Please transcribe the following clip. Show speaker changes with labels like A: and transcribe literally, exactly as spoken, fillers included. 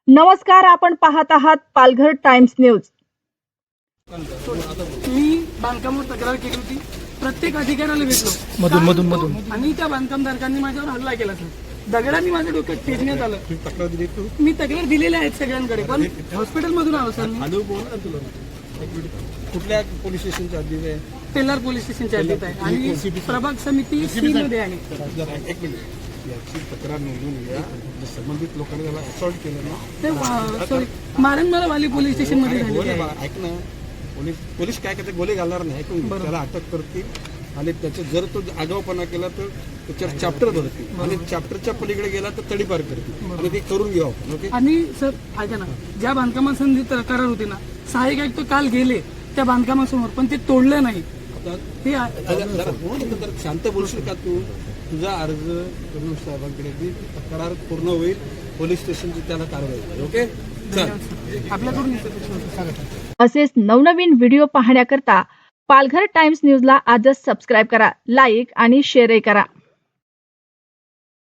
A: नमस्कार, आपण पाहत आहात पालघर टाइम्स न्यूज।
B: मी बांधकामावर तक्रार केली होती, प्रत्येक अधिकाऱ्याला भेटलो
C: मधून मधून मधून
B: आणि त्या बांधकामधारकांनी माझ्यावर हल्ला केला सर। दगडांनी माझ्या डोक्यात फेकण्यात आलं।
C: तक्रार दिली तू
B: मी तक्रार दिलेल्या आहेत सगळ्यांकडे, पण हॉस्पिटल मधून आलो सर मी।
C: हॅलो बोल ना तुला एक मिनिट कुठल्या पोलीस स्टेशनच्या हद्दीत आहे?
B: पेल्लार पोलीस स्टेशनच्या हद्दीत आहे आणि प्रभाग समिती सी मध्ये आहे।
C: एक मिनिट याची तक्रार नोंदवून घ्या। संबंधित लोकांनी त्याला असॉल्ट केलं ना
B: ते सॉरी मारणमारा वाली पोलीस स्टेशन मध्ये झाली
C: गोले
B: आहे।
C: बा- ऐक ना, पोलीस पोलीस काय करते, गोले घालणार नाही, ऐकून घे. त्याला अटक करतील आणि त्याचे जर तो आगाऊपणा केला तर त्याच्यावर चॅप्टर भरतील आणि चॅप्टरच्या पलीकडे गेला तर तडीपार करतील आणि ते करून घेऊ आपण. ओके
B: आणि सर ऐका ना, ज्या बांधकामासंबंधी तक्रार होती ना, सहाय्यक आयुक्त काल गेले त्या बांधकामासमोर, पण ते तोडलं नाही। ते आ-
C: जरा- जरा बोल ना, जरा शांत बोलशील का तू? तुझा अर्ज फडणवीस साहेबांकडे ती तक्रार पूर्ण होईल, पोलीस स्टेशनची त्याला कारवाई होईल. ओके चल.
B: आपल्याकडून येतं.
A: असेच नवनवीन व्हिडिओ पाहण्याकरता पालघर टाइम्स न्यूजला आजच सबस्क्राईब करा, लाईक आणि शेअरही करा।